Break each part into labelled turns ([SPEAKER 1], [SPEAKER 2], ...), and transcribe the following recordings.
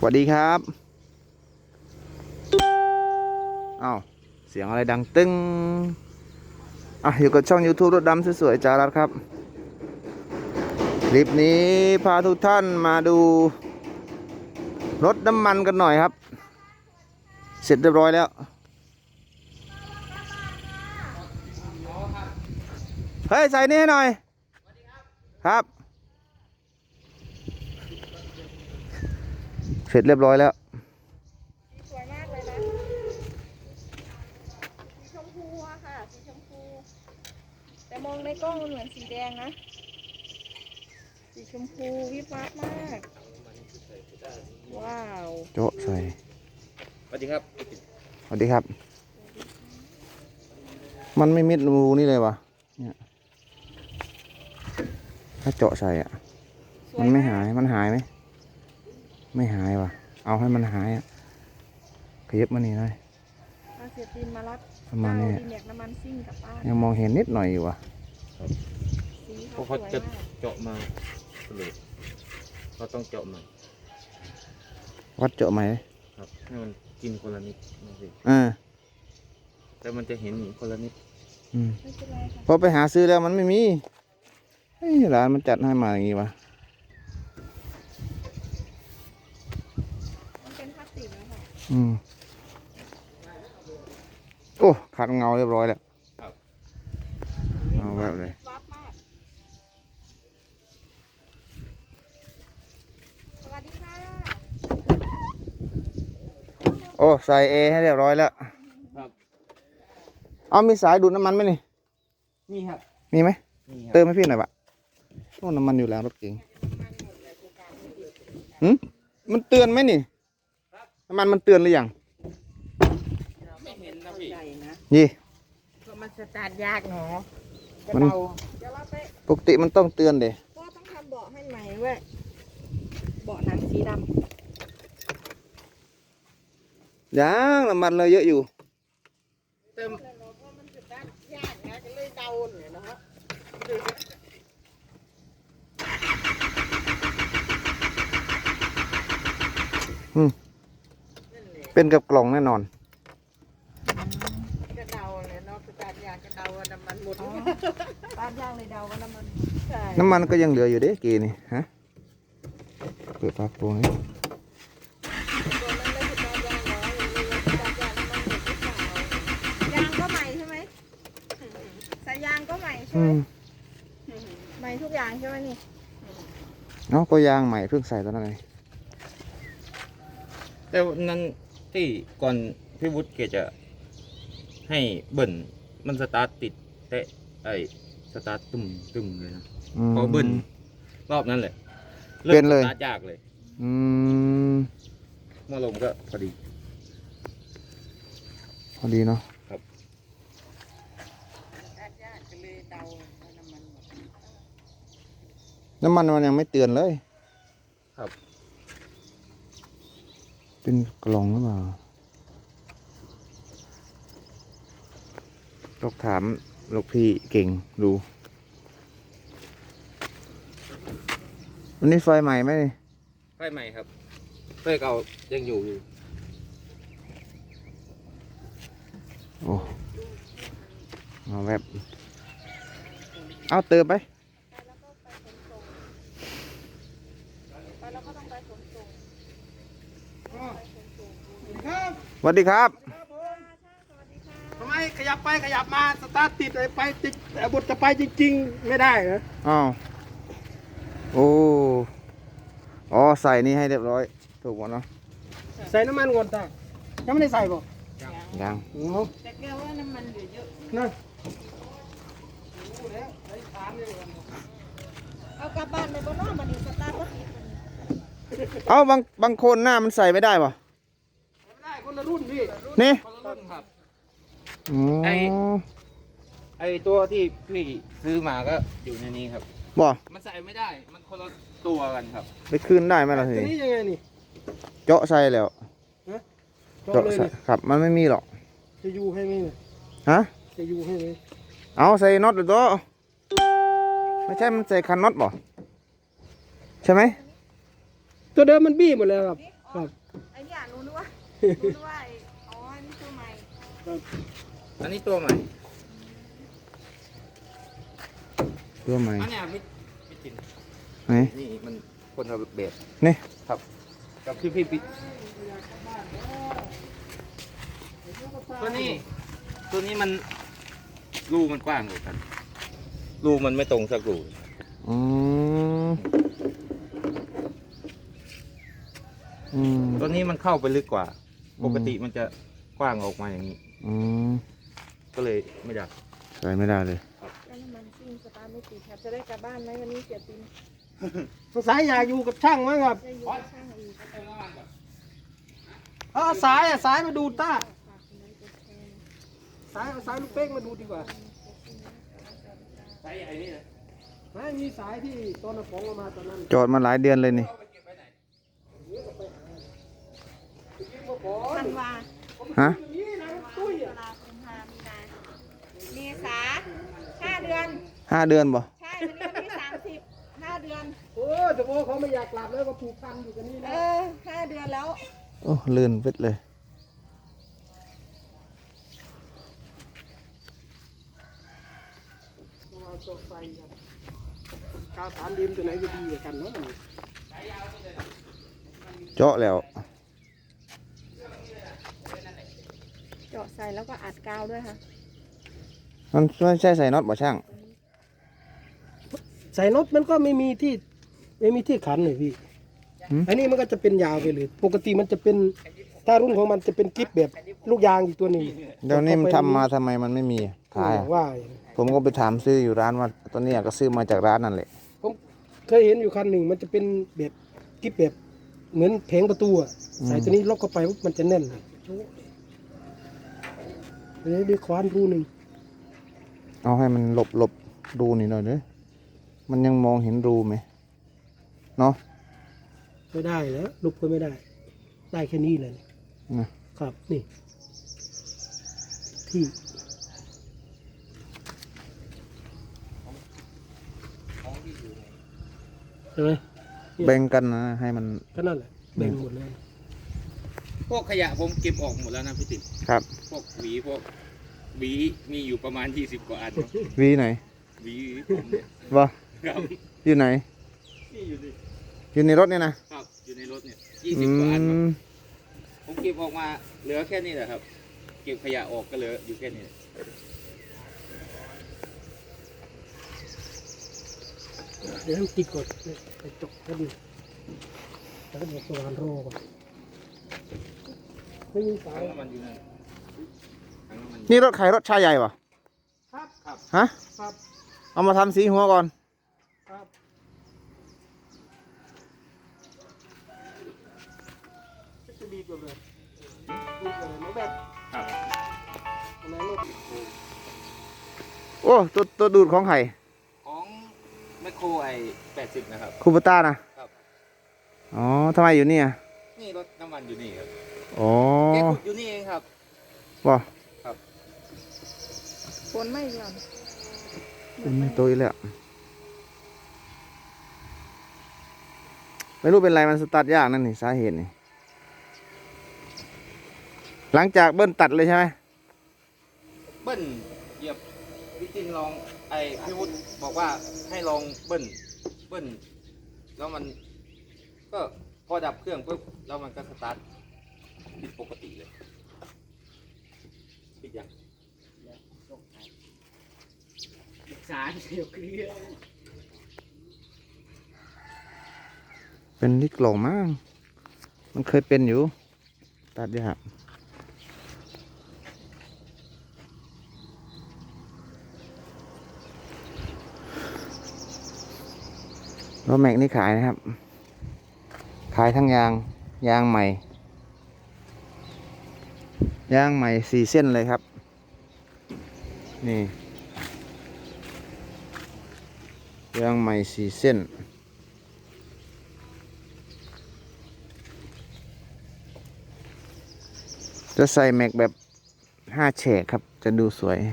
[SPEAKER 1] วัสดีครับอ้าวเสียงอะไรดังตึ้งอยู่กับช่อง YouTube รถดำสวยๆจารัสครับคลิปนี้พาทุกท่านมาดูรถน้ำมันกันหน่อยครับเสร็จเรียบร้อยแล้วเฮ้ยใส่นี่ให้หน่อยครับเสร็จเรียบร้อยแล้ว
[SPEAKER 2] สวยมากเลยนะสีชมพูอะค่ะสีชมพูแต่มองในกล้องมันเหมือนสีแดงนะสีชมพูวิบวับมากว้าว
[SPEAKER 1] โจ๊ะใส่
[SPEAKER 3] สวัสดีครับ
[SPEAKER 1] สวัสดีครับมันไม่มิดรูนี่เลยวะเนี่ยถ้าเจาะใส่มันไม่หายมันหายไหมไม่หายวะเอาให้มันหายขยับมานี่หน่อย
[SPEAKER 2] มาเสียตีนมารับ
[SPEAKER 1] ประมาณนี้
[SPEAKER 2] ดีแม็กน้ำมันซิ่งกับป้า
[SPEAKER 1] ยังมองเห็นนิดหน่อยอยู่วะ
[SPEAKER 2] สี
[SPEAKER 3] เพราะเขาจะเจาะมาเลยเขาต้องเจาะมา
[SPEAKER 1] วัดเจาะไหม
[SPEAKER 3] ครับให้มันกินคนละนิดนะสิแต่มันจะเห็นคนละนิด
[SPEAKER 2] ไม่เป็นไรค่ะ
[SPEAKER 1] พอไปหาซื้อแล้วมันไม่มีร้านมันจัดให้มาอย่างงี้วะ
[SPEAKER 2] มันเป็นพลาสติกนะคะ
[SPEAKER 1] โอ้ขาดเงาเรียบร้อยแล้วเอาแบบเลย
[SPEAKER 2] วับมากสวัสดีค่ะ
[SPEAKER 1] โอ้ใส่เอให้เรียบร้อยแล้ว
[SPEAKER 3] ครับ
[SPEAKER 1] เอามีสายดูดน้ำมันไหมนี่
[SPEAKER 3] นี่ครับ
[SPEAKER 1] มีไหม
[SPEAKER 3] นี่
[SPEAKER 1] เติมให้พี่หน่อยปะโอ้น้ำมันอยู่แล้วรถเก๋งมันเตือนไหมนี่น้ำมันเตือนหรือยัง
[SPEAKER 3] ไม่เห็นนะพี่
[SPEAKER 1] ยี่
[SPEAKER 2] เพราะมันสตาร์ทยากเนาะ
[SPEAKER 1] มันปกติมันต้องเตือนเด้
[SPEAKER 2] ก็ต้องทำเบาะให้ใหม่เว้ยเบาะหนังสีด
[SPEAKER 1] ำยังน้ำมันเลยเยอะอยู่
[SPEAKER 3] เติม
[SPEAKER 2] มันสตาร์ทยากนะก็เลยเดาเนี่ยนะฮะ
[SPEAKER 1] เป็นกับกล่องแน่นอน
[SPEAKER 2] ก็เดาเลยเนาะสตาร์ทยากก็เดาว่าน้ำมันหมดสตาร์ทยากเลยเดาว่าน้ำมันใช่
[SPEAKER 1] น้ำมันก็ยังเหลืออยู่เด้กีนี่ฮะเปิดฝาโปรงนี้
[SPEAKER 2] ยางก็ใหม่ใช่ไหมสายยางก็ใหม่ใช่ไหมใหม่ทุกอย่างใช่ไหมนี่
[SPEAKER 1] ก็ยางใหม่เพิ่งใส่ตอนนั้นเลย
[SPEAKER 3] แต่นั้นที่ก่อนพี่วุฒิแกจะให้เบิ่นมันสตาร์ทติดแต่สตาร์ทตุ่มเลยนะพอเบิ่นรอบนั้นเลย
[SPEAKER 1] เป็นเลย
[SPEAKER 3] สตาร์ทยากเลยเมื่อลมก็พอดี
[SPEAKER 1] เนาะ
[SPEAKER 3] ครับ
[SPEAKER 1] น้ำมันมันยังไม่เตือนเลย
[SPEAKER 3] ครับ
[SPEAKER 1] เป็นกล่องหรือเปล่าต้องถามลูกพี่เก่งดูวันนี้ไฟใหม่ไหม
[SPEAKER 3] ไฟใหม่ครับไฟเก่ายังอยู่
[SPEAKER 1] โอ้มาแบบเอาเติมไปสวัสดีครับ
[SPEAKER 4] ทำไมขยับไปขยับมาสตาร์ทติดไปติดบทจะไปจริงๆไม่ได้เหรอ
[SPEAKER 1] อ้าวใส่นี่ให้เรียบร้อยถูกหมดเนาะ
[SPEAKER 4] ใส่น้ำมันก่อนตายังไม่ได้ใส่ป่ะ
[SPEAKER 1] ยัง
[SPEAKER 2] แต่แกว่าน้ำมันเหลือเยอะ
[SPEAKER 4] นะ
[SPEAKER 2] เอากลับบ้านไปบนนอกมันนี่สตาร์ทรถ
[SPEAKER 1] เอาบางคนหน้ามันใส่ไม่ได้ป่ะ
[SPEAKER 4] ไม่ได้คนละรุ่นพี่
[SPEAKER 1] นี่
[SPEAKER 3] คนละรุ่นครับ
[SPEAKER 1] ไอ
[SPEAKER 3] ตัวที่พี่ซื้อมาก็อยู่ในนี้ครับ
[SPEAKER 1] บ่
[SPEAKER 3] มันใส่ไม่ได้มันคนละตัวกันครับ
[SPEAKER 1] ไปคืนได้ไหมล่ะที
[SPEAKER 4] นี้ยังไงนี่
[SPEAKER 1] เจาะใส่แล้ว
[SPEAKER 4] เจาะเลย
[SPEAKER 1] ครับมันไม่มีหรอก
[SPEAKER 4] จะอยู่ให้ไหม
[SPEAKER 1] ฮะ
[SPEAKER 4] จะอยู่ให้ไหม
[SPEAKER 1] เอาใส่น็อตหรือตัวไม่ใช่มันใส่คันน็อตบ่ใช่ไหม
[SPEAKER 4] ตัวเดิมมันบี้หมดแล้วครับ
[SPEAKER 2] อ๋อ
[SPEAKER 4] ครับ
[SPEAKER 2] ไอ้เนี่ยรู้นึกว่าไอ้อ๋ออันนี้ตัวใหม่
[SPEAKER 4] ครับ
[SPEAKER 3] อันนี้ตัวใหม่
[SPEAKER 1] ตัวใหม่
[SPEAKER 3] อันเนี้ยพี่จิน
[SPEAKER 1] ไหน
[SPEAKER 3] นี่มันคนละแบบ
[SPEAKER 1] นี่
[SPEAKER 3] ครับกับพี่ตัวนี้มันรูมันกว้างกว่ากันรูมันไม่ตรงสักรู
[SPEAKER 1] อืมอืม
[SPEAKER 3] ตัวนี้มันเข้าไปลึกกว่า ปกติมันจะกว้างออกมาอย่างนี้
[SPEAKER 1] อืม
[SPEAKER 3] ก็เลยไม่อยาก
[SPEAKER 1] ใส่ไม่ได้เลย
[SPEAKER 2] แล้วน้ำมันซิ่งสตาร์ทไม่ติดครับจะได้กลับบ้านไหมวันนี้เสียติน
[SPEAKER 4] สงสัยอยากอยู่กับช่างมั้งครับ
[SPEAKER 2] จะอยู่กับช่างอีก
[SPEAKER 4] เอาสายมาดูต้าสายเอาสายลูกเป้งมาดูดีกว่า
[SPEAKER 3] ใช้ไอ้นี่นะ
[SPEAKER 4] ไม่มีสายที่ตอนของเอามาตอนนั้น
[SPEAKER 1] จอดมาหลายเดือนเลยนี่
[SPEAKER 2] ธันวา
[SPEAKER 1] ฮะ
[SPEAKER 4] นี่นะตุ้ย
[SPEAKER 2] ตุลาคมพามีนาเมษา5 เดือน
[SPEAKER 1] 5 เดือนบ่
[SPEAKER 2] ใช่วันนี้วันที่30 5 เดือน
[SPEAKER 4] โอ้แต่โบเขาไม่อยากกลับแล้วก็ผูกพันอยู่กันนี่
[SPEAKER 2] เอ
[SPEAKER 4] นะ
[SPEAKER 2] อ5 เดือนแล้ว
[SPEAKER 1] โอ้ลื่นเวทเลย
[SPEAKER 4] ต้องเอาตัวไฟครับกาวสามดิมตัวไหนจะดีกว่ากันเนาะ
[SPEAKER 1] เจาะแล้ว
[SPEAKER 2] เจาะใส่แล้วก็อัดกาวด้วยค่ะ
[SPEAKER 1] มันไม่ใช่ใส่น็อตบ่ช่าง
[SPEAKER 4] ใส่รถมันก็ไม่มีที่ขันเลยพี่
[SPEAKER 1] หืม
[SPEAKER 4] อันนี้มันก็จะเป็นยาวไปเลยปกติมันจะเป็นถ้ารุ่นของมันจะเป็นกิ๊บแบบลูกยางอีกตัวหนึง
[SPEAKER 1] เดี๋ยวนี้มันทำมาทำไมมันไม่มีขายอะ
[SPEAKER 4] ว่า
[SPEAKER 1] ผมก็ไปถามซื้ออยู่ร้านว่าตัวเนี้ยก็ซื้อมาจากร้านนั่นแหละ
[SPEAKER 4] ผมเคยเห็นอยู่คันหนึ่งมันจะเป็นแบบกิ๊บแบบเหมือนแผงประตูอะใส่ตัวนี้ล็อกเข้าไปปุ๊บมันจะแน่นเลยเดี๋ยวควานรูหนึ่ง
[SPEAKER 1] เอาให้มันหลบรูนี่หน่อยเด้อมันยังมองเห็นรูไหมเนาะ
[SPEAKER 4] ไม่ได้แล้วลุกก็ไม่ได้ ได้แค่นี้เลย
[SPEAKER 1] นะครับ
[SPEAKER 4] นี่ ที่ใช่ไหม
[SPEAKER 1] แบ่งกันนะให้มัน
[SPEAKER 4] ก็นั่นแหละแบ่งหมดเลย
[SPEAKER 3] พวกขยะผมเก็บออกหมดแล้วนะพี่ติ๋ม
[SPEAKER 1] ครับ
[SPEAKER 3] พวกหวีมีอยู่ประมาณ20 กว่าอัน
[SPEAKER 1] วีไหน
[SPEAKER 3] หวีผมเนี่ย
[SPEAKER 1] วะ
[SPEAKER 3] ครับ
[SPEAKER 1] อยู่ไหน
[SPEAKER 3] นี่อยู่ดิ
[SPEAKER 1] อยู่ในรถเนี่ยนะครับ
[SPEAKER 3] อยู่ในรถเนี่ย
[SPEAKER 1] อื
[SPEAKER 3] 20 กว่าอันครับ
[SPEAKER 1] ม
[SPEAKER 3] ผมเก็บออกมาเหลือแค่นี้แหละครับ เก็บขยะออกก็เหลืออยู่แค่นี้
[SPEAKER 4] เดี๋ยวให้มันติดก่อนเนี่ยไปจบกันแล้วก็เดี๋ยวสว่านรอก่อนไม่มีสาย
[SPEAKER 3] ถังน้ำมันอยู่นั่นถังน้ำมันอยู่
[SPEAKER 1] นี่รถใครรถชายใหญ่ปะ
[SPEAKER 4] ครับครับ
[SPEAKER 1] ฮะ
[SPEAKER 4] ครับ
[SPEAKER 1] เอามาทำสีหัวก่อน
[SPEAKER 4] ครับจะดีกว่าเลยดีกว่าเลยน้องแบบ
[SPEAKER 3] ครับ
[SPEAKER 4] อันไหนลูก
[SPEAKER 1] โอ้ตัวดูดของไข่
[SPEAKER 3] ของแมคโครไอ้80นะครับ
[SPEAKER 1] คูปต้านะครับ อ๋อทำไมอยู่เนี่ย
[SPEAKER 3] นี่รถน้ำมันอยู่นี่ครับ
[SPEAKER 1] อ๋อ
[SPEAKER 3] แกขุดอยู่นี่เองครับ
[SPEAKER 1] วะ
[SPEAKER 2] ฝนไม่หย่อน
[SPEAKER 1] ตัวอีกแล้วไม่รู้เป็นไรมันสตาร์ทยากนั่นนี่สาเหตุนี่หลังจากเบิ้ลตัดเลยใช่ไหม
[SPEAKER 3] เบิ้ลเหยียบพี่จินลองไอ้พี่วุฒิบอกว่าให้ลองเบิ้ลแล้วมันก็พอดับเครื่องปุ๊บแล้วมันก็สตาร์ทติดปกติเลยปิดยัง
[SPEAKER 4] สารเดียวเคลียร์
[SPEAKER 1] เป็นที่กล่องมั้งมันเคยเป็นอยู่ตัดยากรถแม็กนี่ขายนะครับ ขายทั้งยางใหม่ยางใหม่4 เส้นเลยครับ นี่ยางใหม่4 เส้น จะใส่แม็กแบบ5 แฉกครับ จะดูสวย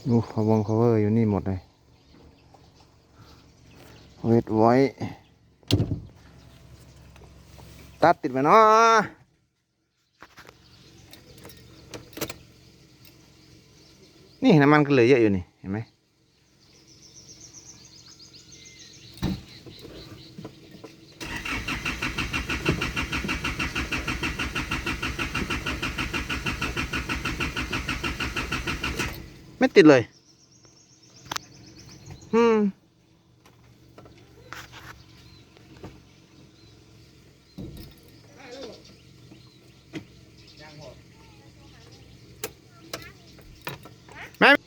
[SPEAKER 1] ดูcover อยู่นี่หมดเลยเวทไว้ตัดติดไปเนาะนี่น้ำมันก็เหลือเยอะอยู่นี่เห็นไหมไม่ติดเลยแม่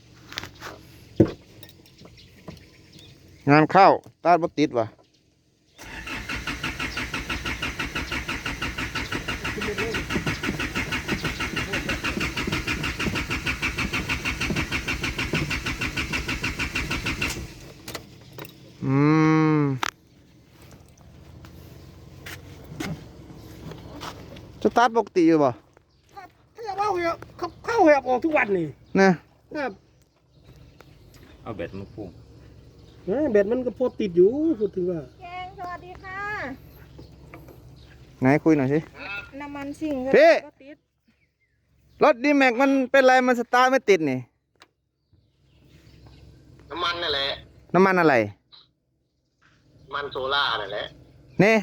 [SPEAKER 1] งานเข้าตาดบ่ติดว่ะสตาร์ทปกติอยู่ป่ะ
[SPEAKER 4] ถ้าว่าเข้าเหบออกทุกวันนี่
[SPEAKER 1] นะครับ
[SPEAKER 3] เอาแบตมาพุ่ง
[SPEAKER 4] แบตมันก็พอติดอยู่พูดถึงว่า
[SPEAKER 2] แกงสวัสดีค่ะ
[SPEAKER 1] ไหนคุยหน่อยสิ
[SPEAKER 2] น้ำมันสิ่ง
[SPEAKER 1] พี่
[SPEAKER 2] ก็ติด
[SPEAKER 1] รถดีแม็กมันเป็นไรมันสตาร์ทไม่ติดนี่
[SPEAKER 5] น้ำมันนั่นแหละ
[SPEAKER 1] น้ำมันอะไร
[SPEAKER 5] มันโซล่านั่นแหละ
[SPEAKER 1] นี่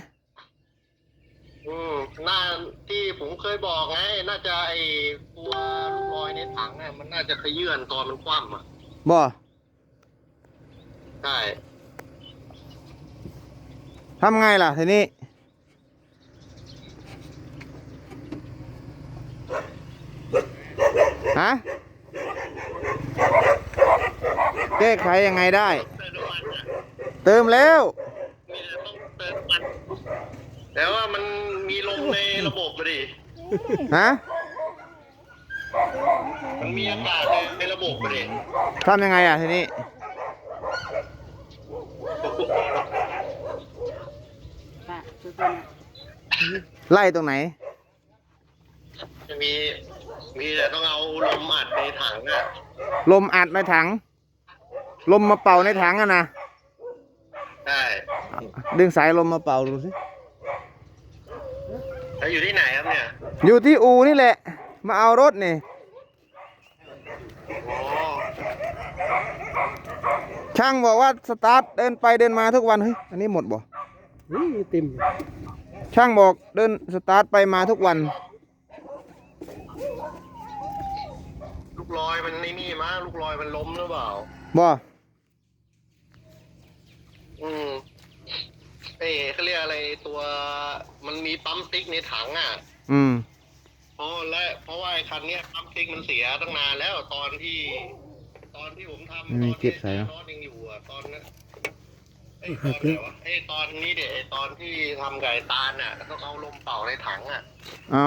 [SPEAKER 5] น่าที่ผมเคยบอกไง น่าจะไอตัวลูกลอยในถังเนี่ยมันน่าจะขยื่นตอนมันคว่ำอ่ะ
[SPEAKER 1] บ่
[SPEAKER 5] ใช่
[SPEAKER 1] ทำไงล่ะทีนี้ฮะแก้ไขยังไงได้
[SPEAKER 5] เติมน้ำมันอ่ะ
[SPEAKER 1] เติมแล้ว
[SPEAKER 5] มีแต่ต้องเติมน้ำมัน แต่ว่ามันมีลมในระบบพอดี
[SPEAKER 1] ฮะ
[SPEAKER 5] มันมีอากาศในระบบพอดี
[SPEAKER 1] ทำยังไงอ่ะทีนี้ไล่ตรงไหน
[SPEAKER 5] จะมีแต่ต้องเอาลมอัดในถังอ่ะ
[SPEAKER 1] ลมอัดในถัง ลมมาเป่าในถังอะนะ
[SPEAKER 5] ใช่
[SPEAKER 1] ดึงสายลมมาเป่าดูสิ
[SPEAKER 5] แล้วอยู่ที่ไหนครับเนี่ย
[SPEAKER 1] อยู่ที่อูนี่แหละ มาเอารถนี่
[SPEAKER 5] อ๋อ
[SPEAKER 1] ช่างบอกว่าสตาร์ทเดินไปเดินมาทุกวัน เฮ้ย อันนี้หมดบ่
[SPEAKER 4] เต็มอยู่
[SPEAKER 1] ช่างบอกเดินสตาร์ทไปมาทุกวัน
[SPEAKER 5] ลูกลอยมันนี่มั้งลูกลอยมันล้มหรือเปล่า
[SPEAKER 1] บ่
[SPEAKER 5] เขาเรียกอะไรตัวมันมีปั๊มติ๊กในถังอ่ะ
[SPEAKER 1] อืม
[SPEAKER 5] เพราะว่าไอ้คันเนี้ยปั๊มติ๊กมันเสียตั้งนานแล้วตอนที่ผมทำ
[SPEAKER 1] ไม่มีเก็บใส่เหรอ
[SPEAKER 5] รถยังอยู่อ่ะตอนนั้นตอนไหนวะตอนนี้เดี๋ยวตอนที่ทำไก่ตาลน่ะต้องเอาลมเป่าในถังอ่ะ
[SPEAKER 1] อ๋อ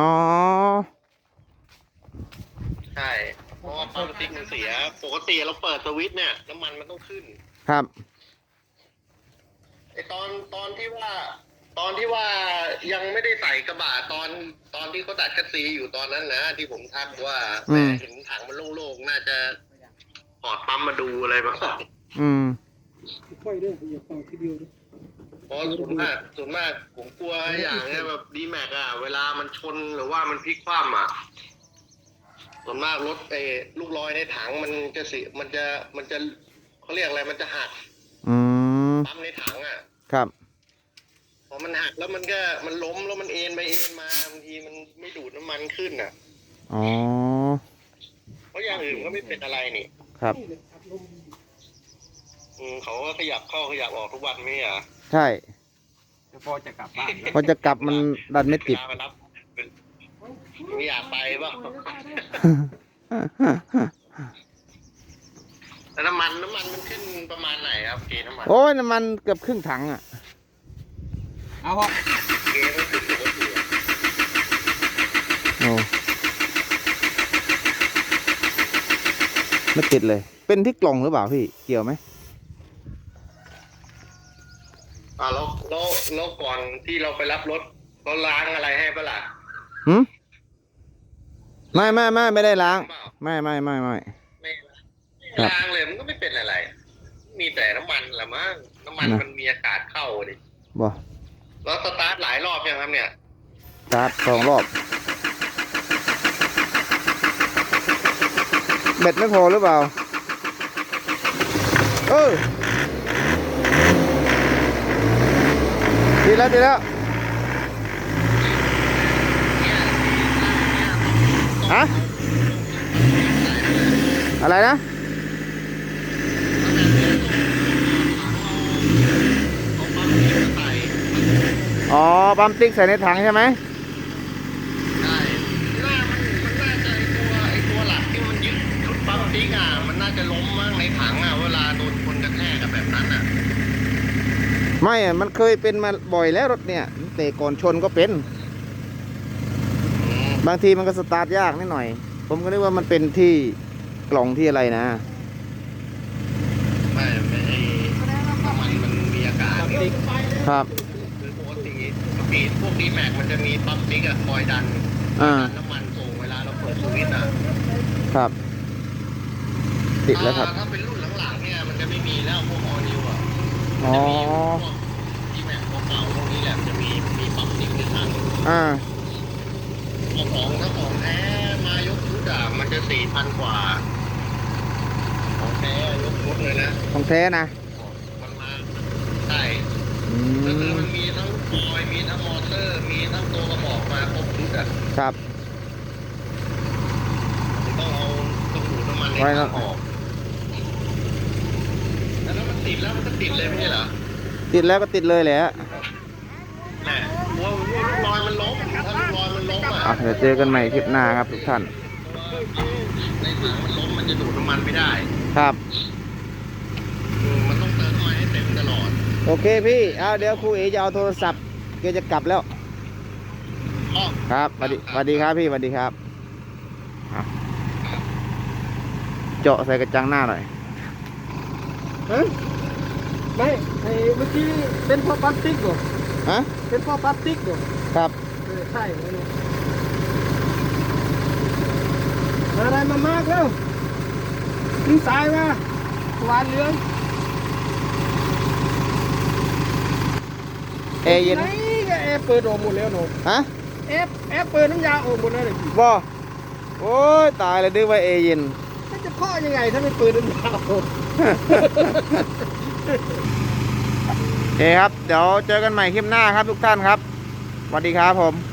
[SPEAKER 5] ใช่เพราะว่าปั๊มติ๊กมันเสียปกติเราเปิดสวิตช์เนี่ยน้ำมันมันต้องขึ้น
[SPEAKER 1] ครับ
[SPEAKER 5] ไอตอนที่ว่ายังไม่ได้ใส่กระบะตอนที่เขาตัดคัสซีอยู่ตอนนั้นนะที่ผมทักว่า
[SPEAKER 1] อืม
[SPEAKER 5] เห็นถังมันโล่งๆน่าจะถอดปั๊มมาดูอะไรมาก่อน
[SPEAKER 1] อืม
[SPEAKER 4] ค่อยด้วยอย่าเป่าทีเดียวด้วย
[SPEAKER 5] เพราะส่วนมากผมกลัวอย่างเนี้ยแบบดีแม็กอะเวลามันชนหรือว่ามันพลิกคว่ำอะส่วนมากรถลูกลอยในถังมันจะเขาเรียกอะไรมันจะหัก
[SPEAKER 1] อืม
[SPEAKER 5] ปั๊มในถังอะ
[SPEAKER 1] ครับ
[SPEAKER 5] พอมันหักแล้วมันล้มแล้วมันเอ็นไปเอ็นมาบางทีมันไม่ดูดน้ำมันขึ้นอ่ะ
[SPEAKER 1] อ๋อ
[SPEAKER 5] เพราะอย่างอื่นก็ไม่เป็นอะไรนี่
[SPEAKER 1] ครับ
[SPEAKER 5] เขาก็ขยับเข้าขยับออกทุกวันไม่เหรอ
[SPEAKER 1] ใช่
[SPEAKER 3] พอจะกลับบ้าน
[SPEAKER 1] พอจะกลับมันดันไม่ติด
[SPEAKER 5] เวลามารับไม่อยากไปเปล่าแล้วน้ำมันมันขึ้นประมาณไหนครับเกณฑ์น้ำมัน
[SPEAKER 1] โอ้ยน้ำมันเกือบครึ่งถังอ่ะ
[SPEAKER 3] เอาพอ
[SPEAKER 5] เกณฑ์มันขึ้นปกติอะ
[SPEAKER 1] โอ้ไม่ติดเลย เป็นที่กล่องหรือเปล่าพี่ เกี่ยวไหม
[SPEAKER 5] แล้วก่อนที่เราไปรับรถเขาล้างอะไรให้ปะล่ะ
[SPEAKER 1] หืมไม่ได้ล้าง
[SPEAKER 5] เปล่า
[SPEAKER 1] ไม่
[SPEAKER 5] ไม่
[SPEAKER 1] ครับ
[SPEAKER 5] ล้างเลยมันก็ไม่เป็นอะไร มีแต่น้ำมันละมั้งน้ำมัน
[SPEAKER 1] นะ
[SPEAKER 5] มันมีอากาศเข้าดิ
[SPEAKER 1] บ่
[SPEAKER 5] แล้วสตาร์ทหลายรอบยังครับเนี่ย
[SPEAKER 1] สตาร์ท2 รอบแบตไม่พอหรือเปล่าดีแล้วดีแล้วฮะอะไรนะอ๋อปั๊มติ๊กใส่ในถังใช่ไหม
[SPEAKER 5] ใช่มันน่าจะไอตัวหลักที่มันยึดชุดปั๊มติ๊กอ่ะมันน่าจะล้มมั่งในถังอ่ะเวลาโดนคนกระแทกกับแบบนั้นอ่ะ
[SPEAKER 1] ไม่อะมันเคยเป็นมาบ่อยแล้วรถเนี่ยแต่ก่อนชนก็เป็น บางทีมันก็สตาร์ทยากนิดหน่อย ผมก็นึกว่ามันเป็นที่กล่องที่อะไรนะ
[SPEAKER 5] ไม่ไอน้ำมันมันมีอากาศ
[SPEAKER 1] ครับ
[SPEAKER 5] คือปกติปีพวกดีแม็กมันจะมีปั๊มติ๊กอะคอยดัน
[SPEAKER 1] อ่า
[SPEAKER 5] น้ำมันส่งเวลาเราเปิดสวิตช์อ่ะ
[SPEAKER 1] ครับ ติดแล้วครับ
[SPEAKER 5] ถ้าเป็นรุ่นหลังๆเนี่ยมันจะไม่มีแล้วพวกออนิวอ่ะ
[SPEAKER 1] อ๋อ
[SPEAKER 5] ดีแม็กเก่าๆพวกนี้แหละมันจะมีปั๊มติ๊กในถัง
[SPEAKER 1] อ่า
[SPEAKER 5] ถ้าของแท้มายกชุดอ่ะมันจะ 4,000 กว่าของแท้ยกชุดเลยนะ
[SPEAKER 1] ของแท้นะ
[SPEAKER 5] มันมาใช่
[SPEAKER 1] อื
[SPEAKER 5] ก็คือ
[SPEAKER 1] ม
[SPEAKER 5] มันมีทั้งคอยมีทั้งมอเตอร์ มีทั้งตัวกระบอกมาครบชุดอ่ะ
[SPEAKER 1] ครับ
[SPEAKER 5] ต้องเอาต้องดูดน้ำมันใน
[SPEAKER 1] ไว้
[SPEAKER 5] ถั
[SPEAKER 1] แล้ว
[SPEAKER 5] งออกแล้วมันติดแล้วมันก็ติดเลยไม่ใช่เหรอ
[SPEAKER 1] ติดแล้วก็ติดเลยแหละ
[SPEAKER 5] แหละว่าลูกลอยมันล้มถ้าลูกลอยมันล้มอ่ะ
[SPEAKER 1] อ่ะเดี๋ยวเจอกันใหม่คลิปหน้าครับทุกท่าน
[SPEAKER 5] ในถังมันล้มมันจะดูดน้ำมันไม่ได้
[SPEAKER 1] ครับ
[SPEAKER 5] มันต้องเติมน้ำมันให้เต็มตลอด
[SPEAKER 1] โอเคพี่เอาเดี๋ยวครูเอจะเอาโทรศัพท์แกจะกลับแล้ว
[SPEAKER 5] อ้อ
[SPEAKER 1] ครับสวัสดีครับพี่สวัสดีครับอ่ะเจาะใส่กระจังหน้าหน่อย
[SPEAKER 4] ฮะไม่ไอ้เมื่อกี้เป็นพ่อพลาสติกเหรอ
[SPEAKER 1] ฮะ
[SPEAKER 4] เป็นพ่อพลาสติกเหรอ
[SPEAKER 1] ครับ
[SPEAKER 4] ใช่เลยอะไรมามากแล้วขึ้นสายมาหวานเหลือง
[SPEAKER 1] เอเย็น
[SPEAKER 4] ไหนก็แอร์เปิดออกหมดแล้วหนู
[SPEAKER 1] ฮะ
[SPEAKER 4] แอร์เปิดน้ำยาออกหมดแล้วเลยพี่
[SPEAKER 1] บ่โอ้ยตายเลยนึกว่าเอเย็น
[SPEAKER 4] มันจะเคาะยังไงถ้าไม่เปิดน้ำยาออก
[SPEAKER 1] โอเคครับ เดี๋ยวเจอกันใหม่คลิปหน้าครับทุกท่านครับ สวัสดีครับผม